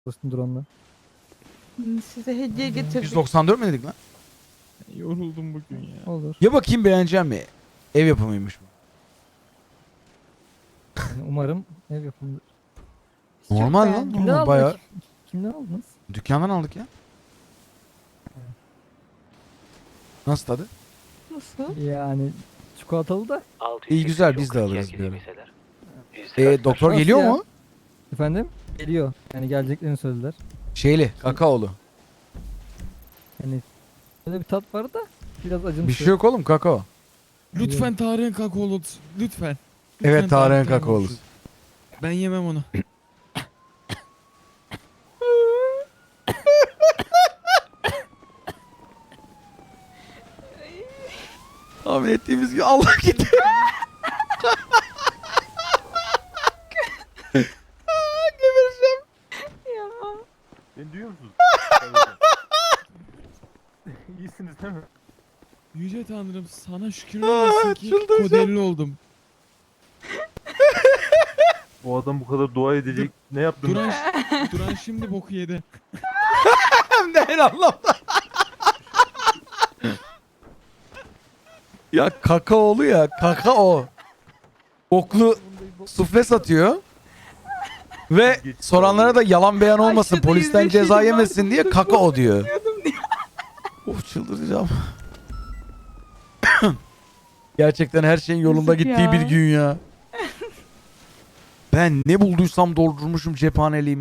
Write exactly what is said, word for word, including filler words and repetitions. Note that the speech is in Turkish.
Dostum drone'la. Size hediye getirdik. yüz doksan dört mü dedik lan? Yoruldum bugün ya. Olur. Ya bakayım beğeneceğim mi? Ev yapımıymış bu. Yani umarım ev yapımıdır. Normal lan. beğendim. Kimden Normal, aldınız? bayağı. Kimden aldınız? Dükkandan aldık ya. Nasıl tadı? Nasıl? Yani çikolatalı da. İyi güzel biz de alırız diyorum. Ee, doktor Nasıl geliyor ya? mu? Efendim? Geliyor. Yani geleceklerini söylediler. Şeyli, kakaolu. Yani böyle bir tat var da biraz acımsı. Bir şey yok oğlum, kakao. Lütfen Tarık'ın kakaolu. Lütfen. Evet, Lütfen Tarık'ın Tarık'tan kakaolu. olsun. Ben yemem onu. Tahmin ettiğimiz gibi Allah gitti. Gebereceğim. Ya. Beni duyuyor musunuz? İyisiniz değil mi? Yüce Tanrım sana şükürler olsun ki çıldıracağım. kodelli oldum. Bu adam bu kadar dua edecek. Ne yaptın? Duran, Duran şimdi boku yedi. Hem de her anlamda. Ya kakaolu ya, kakao. Oklu sufle satıyor. Ve soranlara da yalan beyan olmasın, Aşağıda polisten yüzleşelim ceza ben. yemesin diye kakao diyor. Of çıldıracağım. Gerçekten her şeyin yolunda Yazık gittiği ya. bir gün ya. Ben ne bulduysam doldurmuşum cephaneliğimi.